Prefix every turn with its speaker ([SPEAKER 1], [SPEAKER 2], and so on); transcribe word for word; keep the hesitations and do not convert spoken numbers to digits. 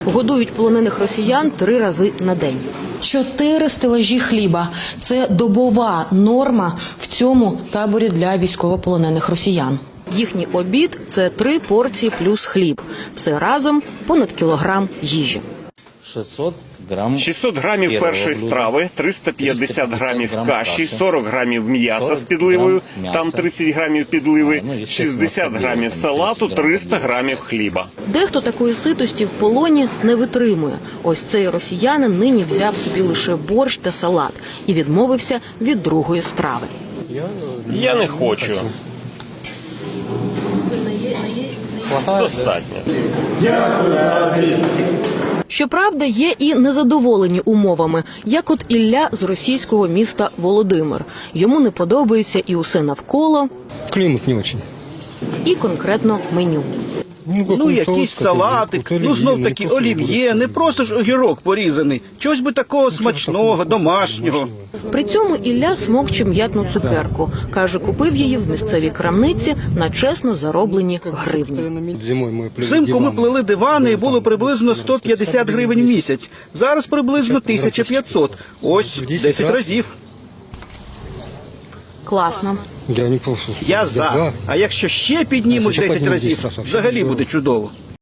[SPEAKER 1] Годують полонених росіян три рази на день. Чотири стелажі хліба – це добова норма в цьому таборі для військовополонених росіян. Їхній обід – це три порції плюс хліб. Все разом понад кілограм їжі.
[SPEAKER 2] шістсот грам.
[SPEAKER 3] шістсот грамів першої страви, триста п'ятдесят грамів каші, сорок грамів м'яса з підливою, там тридцять грамів підливи, шістдесят грамів салату, триста грамів хліба.
[SPEAKER 1] Дехто такої ситості в полоні не витримує. Ось цей росіянин нині взяв собі лише борщ та салат і відмовився від другої страви.
[SPEAKER 3] Я не хочу. Достатньо.
[SPEAKER 1] Щоправда, є і незадоволені умовами, як от Ілля з російського міста Володимир. Йому не подобається і усе навколо,
[SPEAKER 4] Климат не очень.
[SPEAKER 1] і конкретно меню.
[SPEAKER 5] Ну, якийсь салатик, ну, знов-таки олів'є, не просто ж огірок порізаний. Чогось би такого смачного, домашнього.
[SPEAKER 1] При цьому Ілля смокче м'ятну цукерку. Каже, купив її в місцевій крамниці на чесно зароблені гривні.
[SPEAKER 5] Взимку ми плели дивани і було приблизно сто п'ятдесят гривень в місяць. Зараз приблизно тисяча п'ятсот. Ось, десять разів.
[SPEAKER 1] Класно.
[SPEAKER 5] Я за. А якщо ще піднімуть десять разів, взагалі буде чудово.